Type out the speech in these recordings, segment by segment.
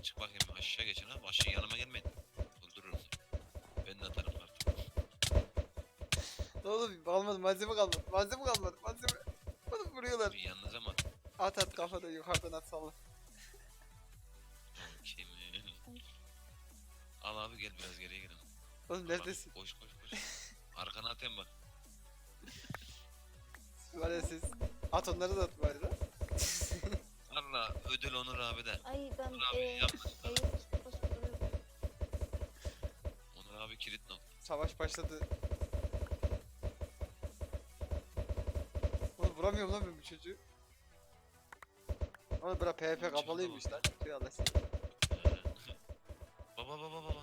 çık bakayım aşağı geçin abi. Aşağı yanıma gelmeyin. Öldürürüm. Ben de atarım artık. Ne oğlum almadım, malzeme kalmadı. Malzeme kalmadı. Malzeme. Oğlum vuruyorlar. Bir yanınıza mı At at kafada yukarıdan at salla. Kim? Al abi gel biraz geriye gidelim. Oğlum neredesin? Koş koş koş. Arkana atayım bak. Var ya siz. At onları da at bari lan. Valla ödül Onur abi de. Ay ben Onur abi yapma. basıp duruyorum. Onur abi kilit nokta. Savaş başladı. Oğlum vuramıyorum lan ben bu çocuğu. Oğlum bura PvP kapalıymış lan. Tüy alasın. Baba baba baba.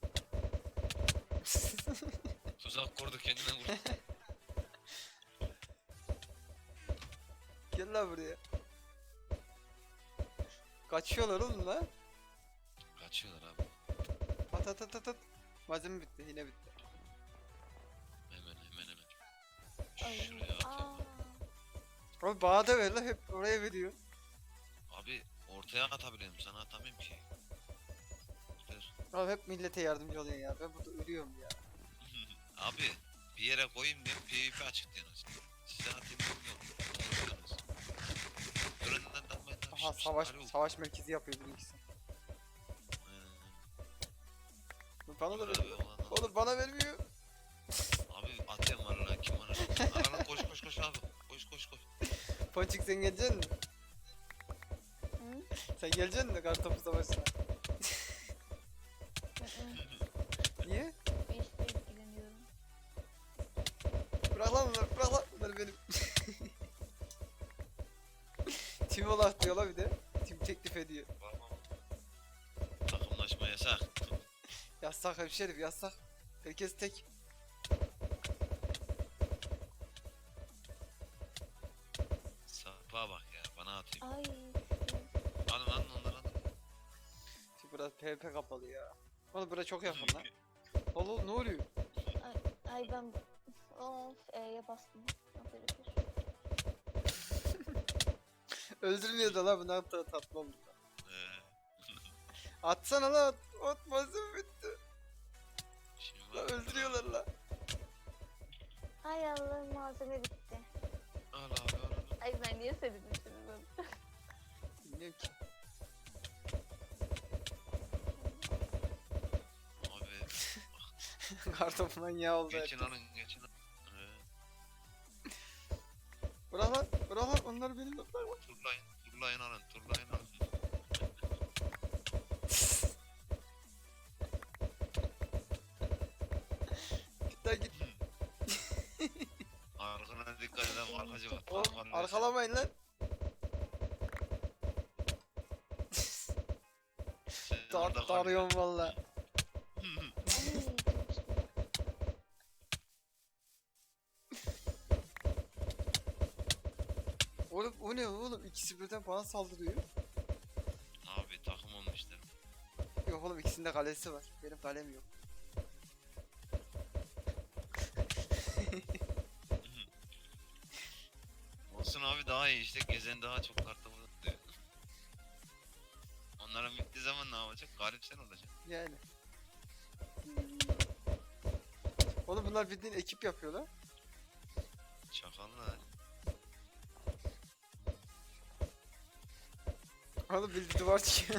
Tuzak kurdu kendine vurdu. Gel lan buraya. Kaçıyorlar oğlum lan. Kaçıyorlar abi. At at at at at. Malzeme bitti, yine bitti. Hemen. Ay. Şuraya atayım. Oğlum bana da ver lan, hep oraya veriyor. Abi ortaya atabilirim sana atamıyorum ki. Dur. Oğlum hep millete yardımcı oluyorsun ya. Ben burada ölüyorum ya. Abi bir yere koyayım diye PvP açık diyorsunuz. Size atayım diyorsunuz. Önünden dalmayın abi. Aha Şşş, savaş alo. savaş merkezi yapıyor bizimkisi. Bana da Abi, veriyor. olan- Oğlum bana vermiyor. Abi atıyorum valla kim var? Aralan koş abi. Koş. Ponçik sen geleceksin mi? Hı? Sen geleceksin mi kartopu savaşına? Niye? Bir işle ilgileniyorum. Bırak lan bunları, bırak lan bunları benim. Tim olarak diyor la bir de. Tim teklif ediyor. Takımlaşma yasak. Yazsak hemşerim yazsak. Herkes tek. Sapa bak ya bana atayım. Ay. Alın onları alın. Şimdi burası PvP kapalı ya. Oğlum burası çok yakın lan. Oğlum ne oluyor? Ay ben of E'ye bastım. Operatör. Öldürmüyor da la, bu ne kadar tatlı oldu. Ee, Atsana la, at malzeme bitti. şimdi La bak. öldürüyorlar la. Ay Allah malzeme bitti. Al abi al. Ay ben niye söyledim şimdi bunu? Bilmiyorum ki. Abi Kartopu manyağı oldu. geçin herkes. geçin alın. Bırak lan onlar benim de. Turlayın alın. Git lan git. Arkana dikkat edin arkacı var. Oğlum arkalamayın lan. Tarıyorum valla. Ay çok işte. Oğlum o ne oğlum, ikisi birden bana saldırıyor. Abi takım olmuşlar. Yok oğlum, ikisinde kalesi var. Benim kalem yok. Olsun abi daha iyi işte gezen daha çok kartı diyor. Onların bittiği zaman ne yapacak? Galip sen olacaksın. Yani. Oğlum bunlar bildiğin ekip yapıyorlar. Çakallar. Oğlum bildiğin duvar çıkıyor.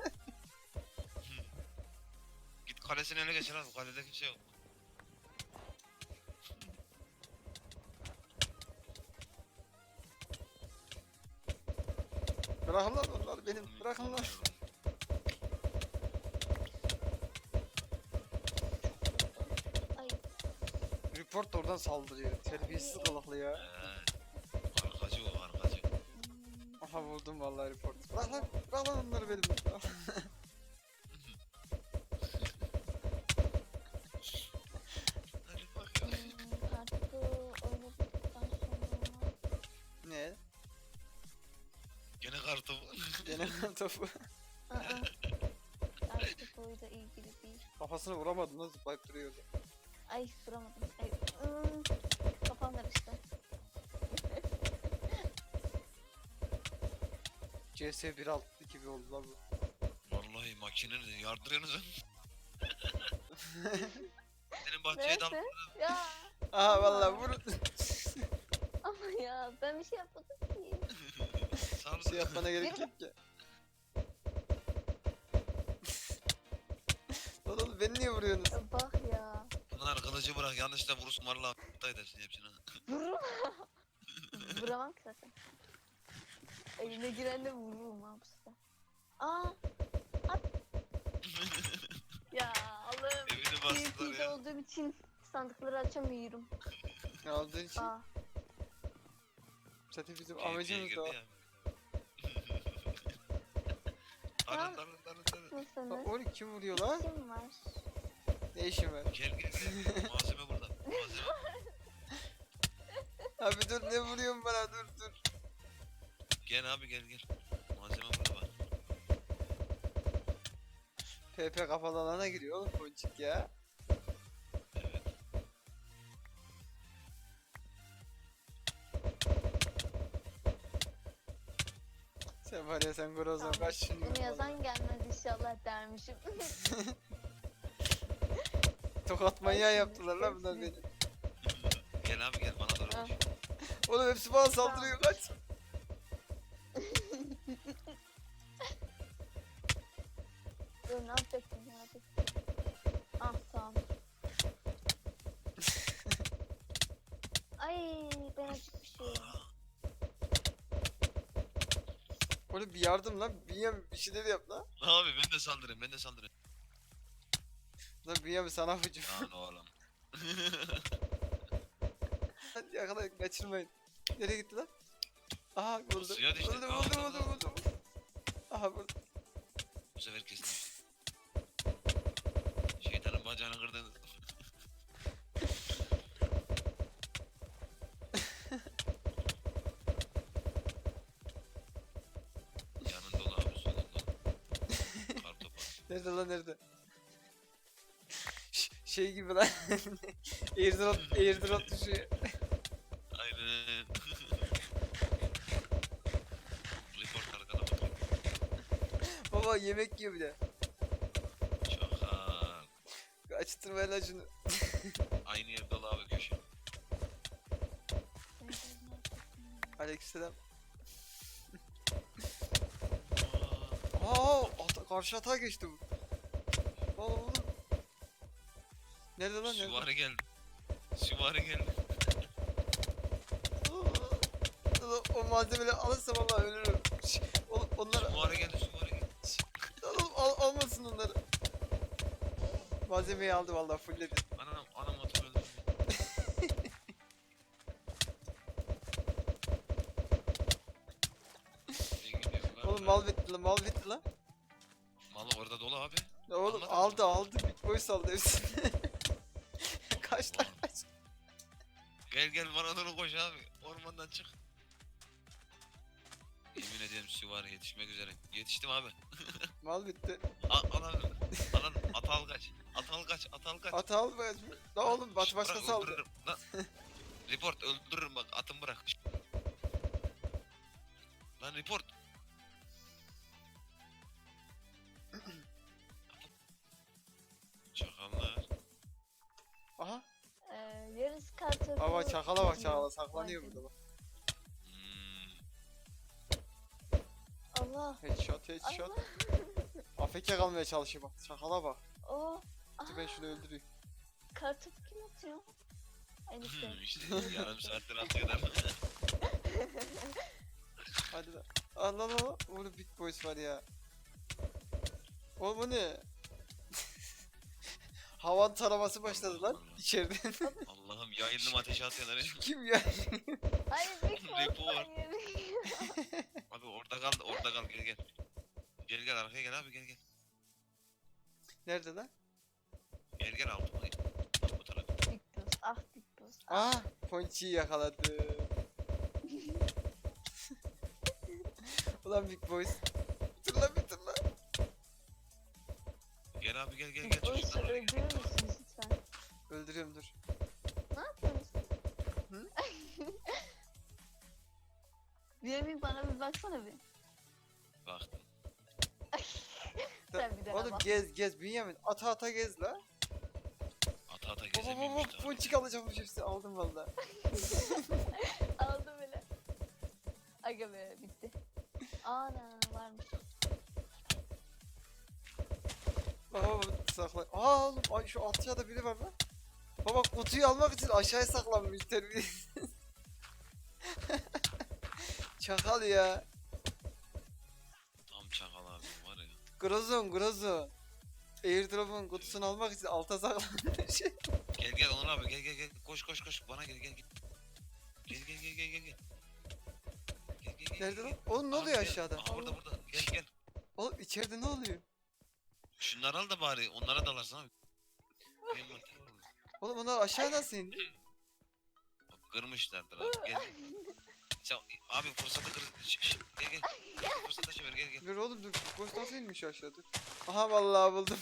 Git kalesini ele geçir abi. Kalede kimse yok. Bırakın lan onlar benim. Bırakın lan. Ay. Report da oradan saldırıyor. Terbiyesiz kılıklı ya. Arkacı o arkacı. Aha vurdum vallahi report. Bırak lan onları benim. Hadi bak. Kartı oynadıktan sonra. Ne? Gene kartı bu. Gene topu. Aa. Artık oyla ilgili değil. Kafasına vuramadım, nasıl zıplayıp duruyordu. Ay duramadım. Ay. Kafam karıştı. CS 1.6 gibi oldu lan bu. Vallahi Makinenizi yardırıyorsunuz. Senin bahçeye dal. Neyse. Ya Aha vallahi vur. ama ya ben bir şey yapmadım ki. Sal. Bir şey yapmana gerek yok ki. Lan oğlum beni niye vuruyorsunuz? Ya bak ya. Bunlar kılıcı bırak yanlışla vurursun valla aptal edersin hepsini. Vururum. Vuramam ki zaten. Elime giren de vururum abi size. Aa. At. Ya Allah'ım. Evini bastılar PvP'de ya. olduğum için sandıkları açamıyorum. Aldığın için Aa. zaten bizim PvP'ye amacımız girdi da o. ya. Alın alın alın alın. Bak Nasılsınız? onu kim vuruyor lan? Kim var? Ne işin var? Gel gel gel. Malzeme burada. Malzeme. Abi dur ne vuruyorsun bana dur dur. Gel abi gel gel. Malzeme burada var. PP kapalı alana giriyor oğlum Ponçik ya. Evet. Sen var ya sen Grozan Tamam. kaç şimdi. Bunu yazan gelmez inşallah dermişim. Tokat Ay manyağı şimdi, yaptılar lan bunlar hepsini. beni. Gel abi gel bana doğru Ah. koş. Oğlum hepsi bana saldırıyor kaç. Dur ne yapacaktım merak ettim. Ah tamam. Ay ben acıkmışım. Oğlum bir yardım lan. Bir şeyler yap lan. Abi ben de saldırayım ben de saldırayım. Lan Bünyamin sana hücum. Lan oğlum. Hadi yakalayın kaçırmayın. Nereye gitti lan? Aha vurdu. Suya düştü. Vurdu Aa, vurdu tamam. vurdu vurdu. Aha vurdu. Bu sefer kestim. Şeytanın bacağını kırdınız. Yanın dolu abi solun dolu. Kartopu. Nerede lan nerede? Şey gibi lan. Airdrop düşüyor. Aynen. Report arkada bak. Baba yemek yiyor bir de. Çakal. Açtırma lan şunu. Aynı yer dolu abi köşe. Aleykümselam. Aa, Karşı atağa geçti bu. Oğlum. Nerede lan nerede? Süvari geldi. Süvari geldi. O malzemeleri alırsa vallahi ölürüm. Oğlum onlar Süvari geldi süvari geldi. oğlum almasın onları. Malzemeyi aldı vallahi fullledi. Anam motor öldü. İyi gidiyor lan. Oğlum mal bitti lan mal bitti lan. Mal orada dolu abi. Ya oğlum Anladın aldı Big Boy saldı hepsini. Kaç lan Ulan. kaç. Gel gel bana doğru koş abi. Ormandan çık. Yemin ederim süvari yetişmek üzere. Yetiştim abi. Mal bitti. Alan at al kaç. At al kaç. At al kaç. At al be. La oğlum Şşt, başkası bırak, aldı. öldürürüm. Lan. Report öldürürüm bak atımı bırak. Şşt. Lan report. Çakallar. Aha. Yarısı kartopu. Baba çakala bak gidiyor. çakala saklanıyor Vay burada bak. Hmm. Allah. Headshot headshot. Allah. AFK kalmaya çalışıyor bak. Çakala bak. O. Dur ben şunu öldüreyim. Kartopu kim atıyor? Ay neyse. İşte yarım saattir atıyorlar. Hadi lan. Allah Allah. Oğlum Big Boys var ya. Oğlum bu ne? Havan taraması başladı lan Allah. içeriden. Allah'ım yayıldım ateşe atıyorlar. Kim ya? Hayır Big Boss. Report. Hayır. Abi orada kal gel gel. Gel gel arkaya gel abi gel gel. Nerede lan? Gel altıma gel. Bak bu tarafa. Big Boss. Ah Big Boss. Ah. Ponçi'yi yakaladı. Ulan Big Boys. Bitir lan bitir lan. Gel abi gel gel Big gel. Boss'u Çocuklar oraya gel. öldürür müsünüz lütfen? Öldürüyorum dur. Ne yapıyorsunuz? Hı? Bünyamin bana bir baksana bir. Baktım. Sen bir de Oğlum Oğlum bak. gez Bünyamin. Ata gez la. Ata ata Baba gezemiyormuş baba daha. ponçik alacakmış hepsi aldım valla. Aldım bile. Aga be bitti. Ana varmış. Baba sakla. Aa oğlum ay şu aşağıda biri var lan. Baba kutuyu almak için aşağıya saklanmış terbiye. Çakal ya. Tam çakal abi var ya. Grozon. Airdrop'un kutusunu almak için alta saklanmış. Gel Onur abi gel. Koş bana gel. Gel. Gel. Nerede lan? Oğlum ne Abi oluyor gel. aşağıda? Aha burada. Gel. Oğlum içeride ne oluyor? Şunları al da bari onlara dalarsın abi. Envanter var orada. Oğlum onlar aşağı nasıl indi? Bak, kırmışlardır abi. Gel. Sen, abi fırsatı kır. Gel. Fırsatı çevir gel. Dur oğlum dur. Boş nasıl inmiş aşağı dur. Aha vallahi buldum.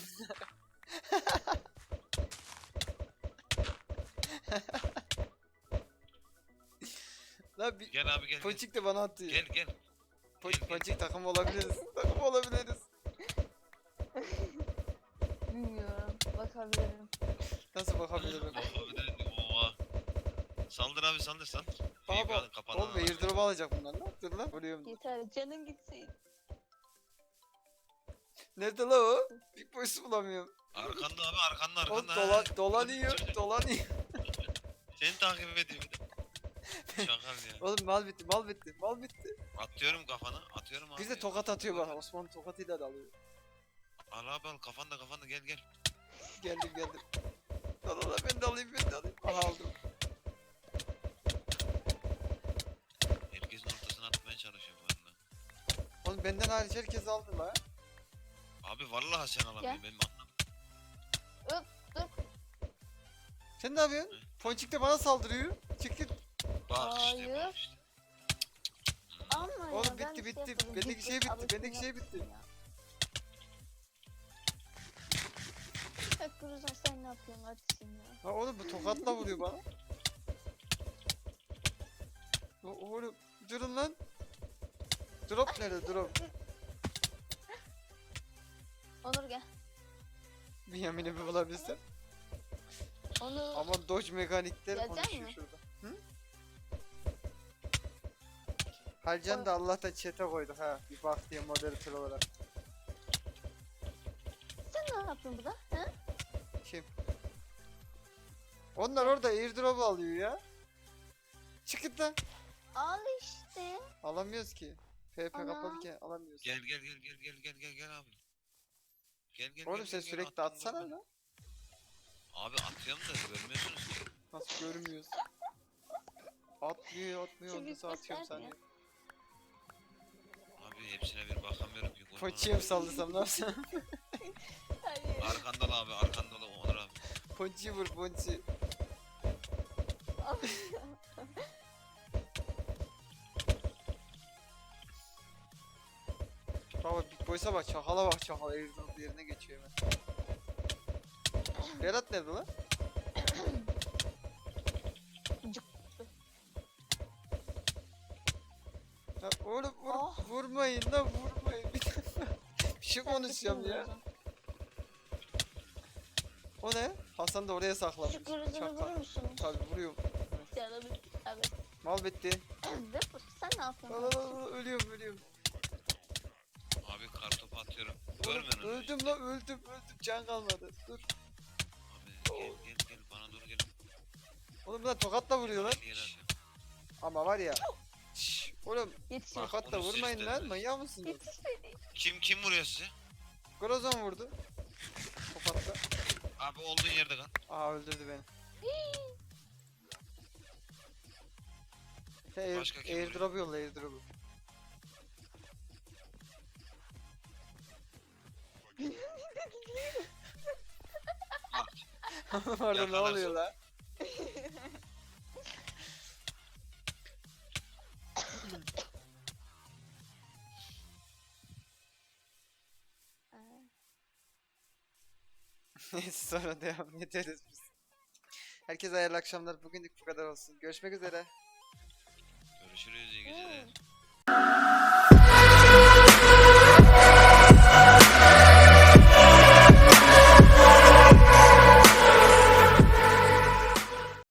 Lan bir Gel abi gel. Ponçik de bana attı ya. Gel. Gel. Ponçik takım olabiliriz. Takım olabiliriz. Bilmiyorum. Bakabilirim. Nasıl bakabilirim? Oha. Saldır abi saldır. Baba Kapalı. oğlum airdrop alacak bunlar lan. Dur lan. Vuruyorum. Yeter canın gitsin. Nerede la o? Big Boys'u bulamıyorum. Arkanda abi arkanda. Oğlum ha. dolanıyor. Seni takip ediyor bir de. Şakal ya. Oğlum mal bitti. Atıyorum kafana. Atıyorum abi. Bir de tokat atıyor bana. Osman tokatıyla da alıyor. Al abi al kafanda gel. Geldim. La ben de alayım. Aha aldım. Herkesin ortasına atmaya çalışıyor bu arada. Oğlum benden hariç herkes aldı la. Abi vallahi sen alamıyorsun. Benim anlam. Sen ne yapıyorsun? Ponçik de bana saldırıyor. Çık git. Bak işte Hayır. bak işte. Ama ya, Oğlum ben bitti. bir şey yapmadım. Bendeki Git şey git, bitti. Bendeki alışsın şey bitti. yapsın ya. Bak Grozan sen ne yapıyorsun artistin ya. Ha oğlum bu tokatla vuruyor bana. Oğlum durun lan. Drop nerede drop? Onur gel. Bünyamin'i bir bulabilsem. Onur. Aman Dodge mekanikler Gelecek konuşuyor mi? şurada. Hı? Halcan da Allah'tan chat'e koyduk ha. Bir bak diye moderatör olarak. Sen ne yapıyorsun burada? Ha? Kim? Onlar orada airdrop alıyor ya. Çıkın lan. Al işte. Alamıyoruz ki. FP Ana. kapalıyken alamıyoruz. Gel abi. Gel. Oğlum sen sürekli attım atsana burada. lan. Abi atıyorum da görmüyorsunuz ki. Nasıl görmüyoruz? Atmıyor. Şimdi Nasıl atıyorum göster sen ya. ya? Abi hepsine bir bakamıyorum ki. Ponçiye mi sallasam ne yapsam? Hayır. Arkanda ol Onur abi. Ponçiyi vur Ponçi. Baba Big Boys'a bak çakala bak çakala airdrop yerine geçiyor hemen. Berat nerede lan? Ya oğlum Oh. vurmayın lan vurmayın. Bir şey konuşacağım ya. O ne? Hasan da oraya saklamış. Şu Grozan'ı Çakal. vurur musun? Tabii vuruyorum. Canım. Abi. Mal bitti. Zıpır sen ne yapıyorsun? Aa, ölüyorum. Abi kartopu atıyorum. Oğlum, Görmüyorsun. öldüm lan öldüm. Can kalmadı. Dur. Abi gel bana doğru gel. Oğlum lan tokatla vuruyor lan. Gel yere Şşş. atıyorum. Ama var ya. Şşş. Oğlum Yetişiyor. tokatla onu vurmayın siz lan. dediniz. Manyak mısınız? Yetişmedi. Kim vuruyor sizi? Grozan vurdu. Tokatla. Abi olduğun yerde kal. Aa öldürdü beni. Başka kim Airdrop yolla airdrop'u. Pardon ne Yakalarsın. oluyor la? Neyse sonra devam ederiz biz. Herkese hayırlı akşamlar. Bugünlük bu kadar olsun. Görüşmek üzere. Görüşürüz iyi geceler. Hmm.